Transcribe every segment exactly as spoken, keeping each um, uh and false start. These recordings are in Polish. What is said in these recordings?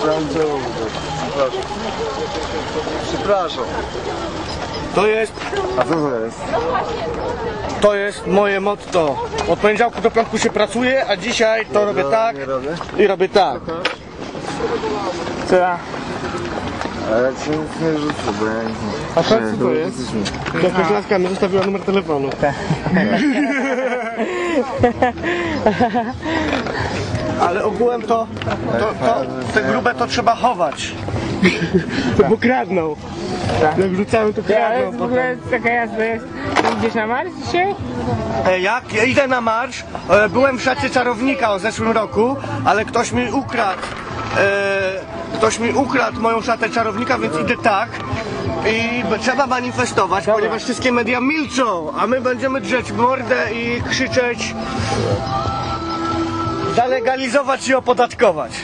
Przepraszam. Przepraszam. To jest... A co to jest? To jest moje motto. Od poniedziałku do piątku się pracuje, a dzisiaj to robię tak i robię tak. Co ja? A ja ci nic nie rzucę, bo ja nic nie... A co to jest? Jakaś laska mi zostawiła numer telefonu. Ale ogółem to, to, to te grube to trzeba chować. Bo kradną. Jak wrzucamy to kradną. Ale w ogóle taka jazda jest. Idziesz na marsz dzisiaj? E, Jak? Ja idę na marsz. E, Byłem w szacie czarownika o zeszłym roku, ale ktoś mi ukradł. E, ktoś mi ukradł moją szatę czarownika, więc idę tak. I b- trzeba manifestować, Dobra. ponieważ wszystkie media milczą, a my będziemy drzeć mordę i krzyczeć, zalegalizować i opodatkować.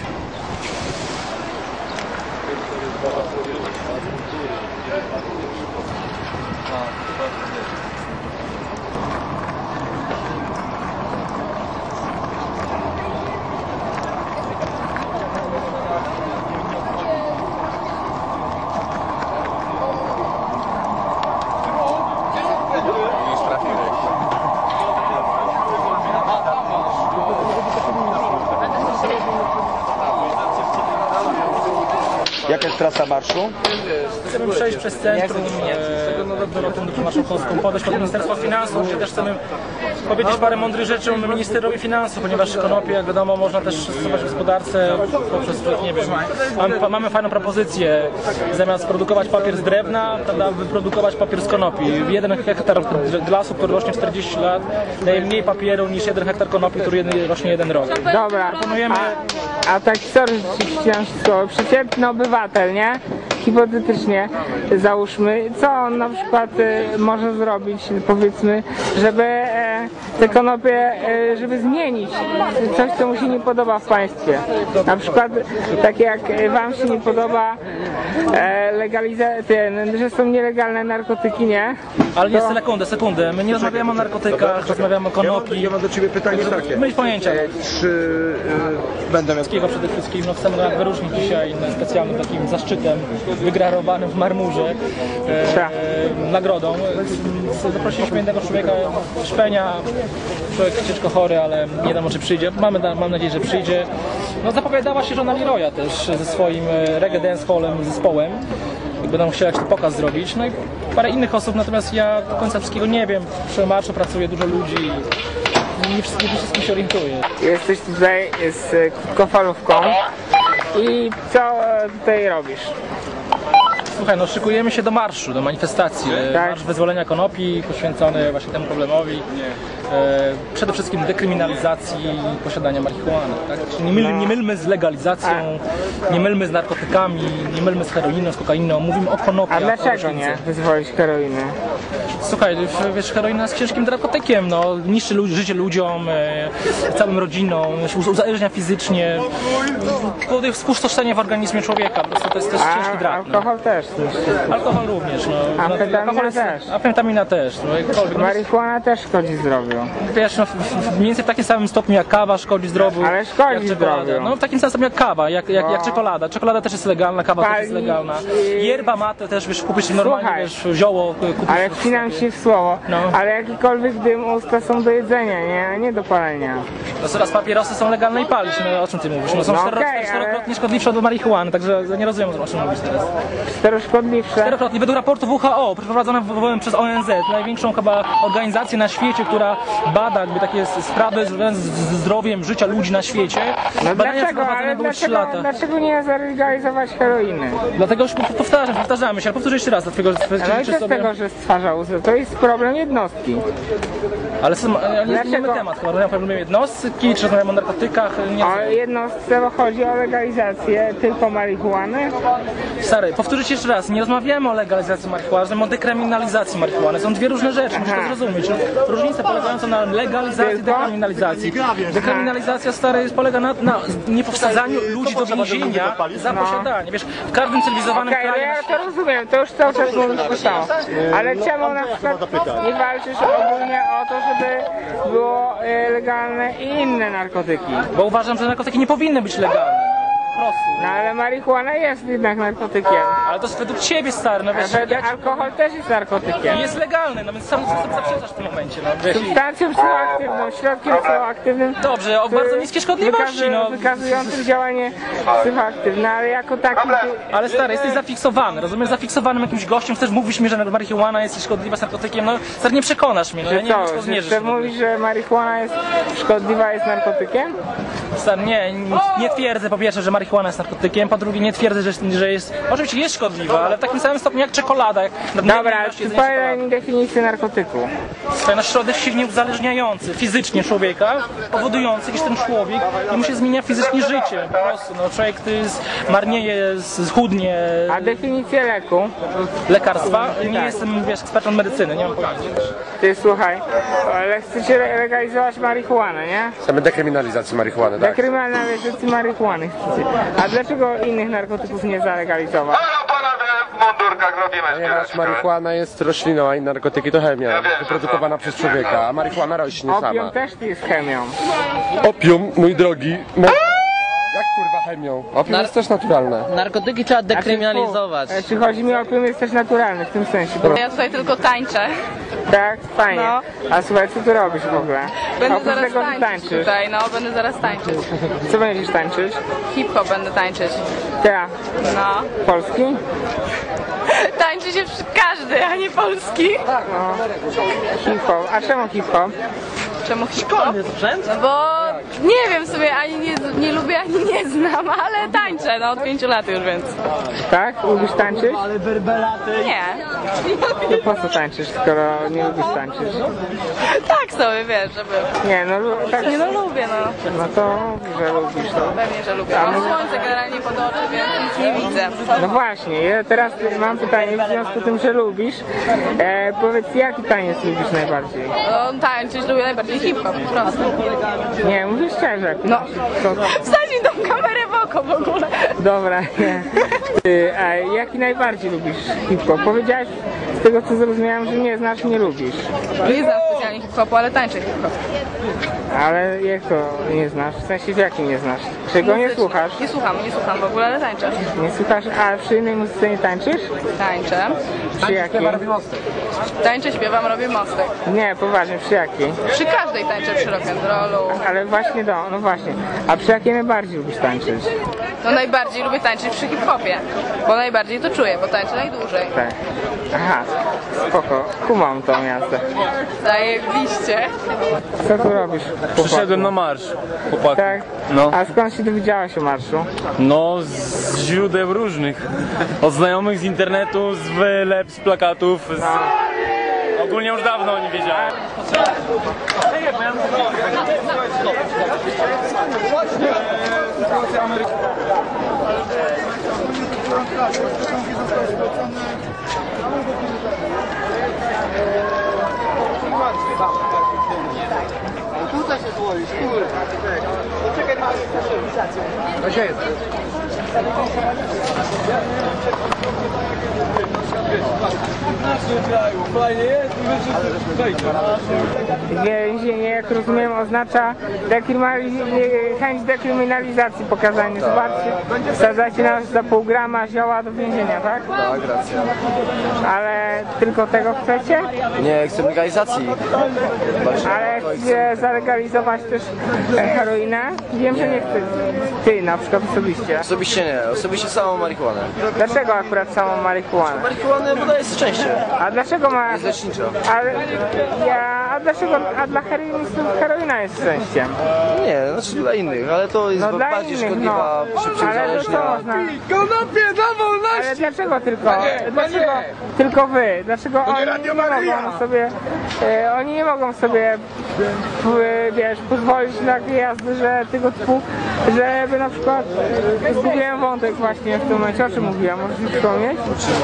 Jaka jest trasa marszu? Chcemy przejść przez centrum e, do rotundy marszałkowską, podejść pod Ministerstwo Finansów, gdzie też chcemy powiedzieć parę mądrych rzeczy ministrowi finansów, ponieważ konopie, jak wiadomo, można też stosować w gospodarce poprzez, nie wiem, mamy, mamy fajną propozycję, zamiast produkować papier z drewna, prawda, wyprodukować papier z konopi. Jeden hektar lasu, który rośnie czterdzieści lat, daje mniej papieru niż jeden hektar konopi, który rośnie jeden rok. Dobra. Proponujemy... A, a tak sorry, że ci chciałam wszystko. Przeciętny obywatel, nie? Hipotetycznie załóżmy, co on na przykład y, może zrobić, powiedzmy, żeby e, te konopie, e, żeby zmienić coś, co mu się nie podoba w państwie. Na przykład tak jak wam się nie podoba e, legalizacja, że są nielegalne narkotyki, nie? Ale nie, sekundę, sekundę. My nie rozmawiamy o narkotykach, rozmawiamy o konopi. Ja mam do ciebie pytanie takie. Myć pojęcia. Czy y, będę miał... Wszystkiego przede wszystkim, no chcemy go wyróżnić dzisiaj specjalnym takim zaszczytem wygrarowanym w marmurze, e, e, nagrodą. Zaprosiliśmy jednego człowieka, Szpenia, człowiek ciężko chory, ale nie wiadomo czy przyjdzie. Mamy, mam nadzieję, że przyjdzie. No, zapowiadała się żona Leroya też ze swoim reggae dance hallem, zespołem. Będą chcieli jakiś pokaz zrobić. No i parę innych osób, natomiast ja do końca wszystkiego nie wiem. Przy marszu pracuje dużo ludzi. Nie wszystkim, nie wszystkim się orientuję. Jesteś tutaj z krótkofalówką i co tutaj robisz? Słuchaj, no szykujemy się do marszu, do manifestacji. Tak. Marsz wyzwolenia konopi poświęcony właśnie temu problemowi. E, przede wszystkim dekryminalizacji posiadania marihuany. Tak? Czyli nie, myl, nie mylmy z legalizacją, nie mylmy z narkotykami, nie mylmy z heroiną, z kokainą. Mówimy o konopiach. A dlaczego nie wyzwolić heroiny? Słuchaj, wiesz, heroina jest ciężkim narkotykiem, no, niszczy ludzi, życie ludziom, e, całym rodzinom, uzależnia fizycznie, powoduje spustoszenie w organizmie człowieka, po prostu to jest też ciężki A drag. alkohol No. też. Alkohol również, no. Amfetamina Alkohol jest, też. Amfetamina też, no, jakkolwiek. Marihuana też szkodzi zdrowiu. Wiesz, no, w, w, mniej więcej w takim samym stopniu jak kawa szkodzi zdrowiu. Ale szkodzi jak czekolada. zdrowiu. No w takim samym stopniu jak kawa, jak, jak, jak No. czekolada. Czekolada też jest legalna, kawa też jest Pali legalna. i- Yerba mate też, wiesz, kupisz normalnie, Słuchaj. wiesz, zioło, kupisz... Ale wcinam się w słowo, No. ale jakikolwiek dym usta są do jedzenia, nie, a nie do palenia. No coraz papierosy są legalne i palić, no o czym ty mówisz? No są No cztero, okej, czterokrotnie ale- szkodliwsze od marihuany, także nie rozumiem o czym mówisz teraz. Czteroszkodliwsze. Czterokrotnie, według raportu W H O, przeprowadzonego przez O N Z, największą chyba organizację na świecie, która bada jakby takie sprawy związane z z zdrowiem życia ludzi na świecie. No Badania dlaczego, przeprowadzone ale były trzy dlaczego, lata. dlaczego nie zalegalizować heroiny? Dlatego już powtarzam, powtarzamy się, ale powtórzę jeszcze raz, dlatego że Ale czy też sobie... tego, że stwarza uzdę, to jest problem jednostki. Ale są, ale nie Dlaczego? zmieniamy temat, chyba rozmawiamy o problemie jednostki, czy rozmawiamy o narkotykach, nie O jednostce chodzi o legalizację tylko marihuany. Stary, powtórzę ci jeszcze raz, nie rozmawiamy o legalizacji marihuany, rozmawiamy o dekryminalizacji marihuany. Są dwie różne rzeczy, musisz to Aha. zrozumieć. No, różnica polegająca na legalizacji i Tylko? dekryminalizacji. Dekryminalizacja, stary, polega na, na niepowsadzaniu ludzi do więzienia za posiadanie. Wiesz, w każdym cywilizowanym Okej, okay, kraju... ja to rozumiem, to już cały czas mówisz to samo. Ale czemu na przykład nie walczysz ogólnie o to, żeby było e, legalne i inne narkotyki? Bo uważam, że narkotyki nie powinny być legalne. prostu. No ale marihuana jest jednak narkotykiem. Ale to jest według ciebie, stary, no wiesz, A ja ci... alkohol też jest narkotykiem. jest legalny, no więc sam sam zaprzeczasz w tym momencie, no wiesz. Substancją psychoaktywną, środkiem psychoaktywnym. Dobrze, o bardzo niskiej szkodliwości, wykazu- no. Wykazującym działanie psychoaktywne, ale jako taki... Ale stary, jesteś zafiksowany, rozumiesz? Zafiksowanym jakimś gościem, chcesz mówić mi, że marihuana jest szkodliwa z narkotykiem, no stary, nie przekonasz mnie, no ja nie wiem, czy to Co, zmierzysz. że mówisz, że marihuana jest szkodliwa, jest narkotykiem? Stary, nie, nie twierdzę po pierwsze, że marihuana jest narkotykiem, po drugie nie twierdzę, że, że jest, oczywiście jest szkodliwa, ale w takim samym stopniu jak czekolada, jak nadmiernie Dobra, ilość jedzenia podaj czekolady. mi definicję narkotyku. To jest środek silnie uzależniający fizycznie człowieka, powodujący, iż ten człowiek mu się zmienia fizycznie życie, po prostu, no człowiek to jest, marnieje, schudnie, A definicję leku? lekarstwa, nie jestem, wiesz, ekspertem medycyny, nie mam pojęcia. Ty słuchaj, ale chcecie legalizować marihuanę, nie? Chcemy dekryminalizacji marihuany, tak? Dekryminalizacji marihuany chcecie. A dlaczego innych narkotyków nie zalegalizować? Halo panowie, w mundurkach robimy Ponieważ skiereczkę. marihuana jest rośliną, a inne narkotyki to chemia, wyprodukowana przez człowieka, a marihuana rośnie Opium sama. też jest chemią. Opium, mój drogi, mo- jak kurwa chemią? Opium jest też naturalne. Narkotyki trzeba dekryminalizować. Znaczy, czy chodzi mi o opium jest też naturalny w tym sensie. Bo, Ja tutaj tylko tańczę. tak, fajnie. No. A słuchaj, co tu robisz w ogóle? Będę Oprócz zaraz tego, że tańczyć tańczysz. tutaj, no będę zaraz tańczyć. Co będziesz tańczyć? Hip-hop będę tańczyć. Ty, No. polski? Tańczy się przy każdy, a nie polski. No. Hip-hop. A czemu hip-hop? Czemu hip-hop? No bo nie wiem sobie, ani nie, nie lubię, ani nie znam, ale tańczę, no od pięciu lat już, więc Tak? Lubisz tańczyć? nie. To po co tańczysz, skoro nie lubisz tańczyć? Tak sobie, wiesz, żeby... Nie, no lu- tak, Nie no lubię, no. no to, że lubisz to. Pewnie, że lubię. Mam słońce generalnie pod oczy, więc nic nie widzę. No właśnie, ja teraz mam pytanie w związku z tym, że lubisz. E, powiedz, jaki taniec lubisz najbardziej? No tańczyć lubię najbardziej hip-hop, po prostu. Nie, mówisz szczerze. No. To, Wstać mi tą kamerę w oko w ogóle. dobra, nie. Ty, a jaki najbardziej lubisz hip-hop? Powiedziałeś z tego, co zrozumiałem, że nie znasz, nie lubisz. Nie znam specjalnie hip-hopu, ale tańczę hip-hop. Ale jak to nie znasz? W sensie, w jakim nie znasz? Czego nie Muzyczny. słuchasz? Nie słucham, nie słucham w ogóle, ale tańczę. Nie słuchasz, a przy innej muzyce nie tańczysz? Tańczę. Przy jakiej? Tańczę, śpiewam, robię mostek. Nie, poważnie, przy jakiej? Przy każdej tańczę, przy rock'n'rollu. Ale właśnie do, no właśnie. A przy jakiej najbardziej lubisz tańczyć? No najbardziej lubię tańczyć przy hip-hopie, bo najbardziej to czuję, bo tańczę najdłużej. Tak. Aha, spoko. Kumam tą jazdę. Zajebiście. Co tu robisz, chłopaku? Przyszedłem na marsz, chłopak. Tak? No. A skąd się dowiedziałeś o marszu? No, z źródeł różnych. Od znajomych z internetu, z wylep, z plakatów. Z... Ogólnie już dawno o nim wiedziałem. Więzienie, jak rozumiem, oznacza dekryminali- chęć dekryminalizacji pokazania. Zobaczcie, wsadzacie nas za pół grama zioła do więzienia, tak? Tak, racja. Ale tylko tego chcecie? Nie, chcę legalizacji. Ale chcecie zalegalizować też e, heroinę? Wiem, że nie chcesz. Ty na przykład osobiście. Osobiście nie, osobiście samą marihuanę. Dlaczego akurat samą marihuanę? Marihuanę podaje szczęście. A dlaczego ma... Jest lecznicza. Ale ja... A dlaczego... A dla heroinistów heroina jest szczęściem? Nie, znaczy dla innych, ale to jest No dla bardziej innych, szkodliwa, no. szybciej Ale to co uzależnia. można... Ale dlaczego tylko? Dlaczego tylko wy? Dlaczego oni nie mogą sobie... E, oni nie mogą sobie... e, wiesz, pozwolić na takie jazdy, że tego typu... Żeby na przykład... e, Zgubiłem wątek właśnie w tym momencie. O czym mówiłam? Możesz mi przypomnieć?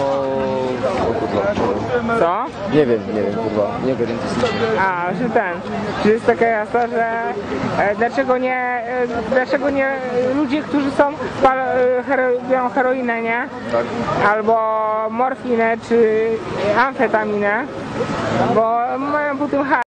Co? Nie wiem, nie wiem, kurwa, nie wiem. A, że ten, że jest taka jazda, że e, dlaczego nie, e, dlaczego nie e, ludzie, którzy są, pal, e, hero, biorą heroinę, nie? Tak. Albo morfinę, czy amfetaminę, bo mają po tym haj.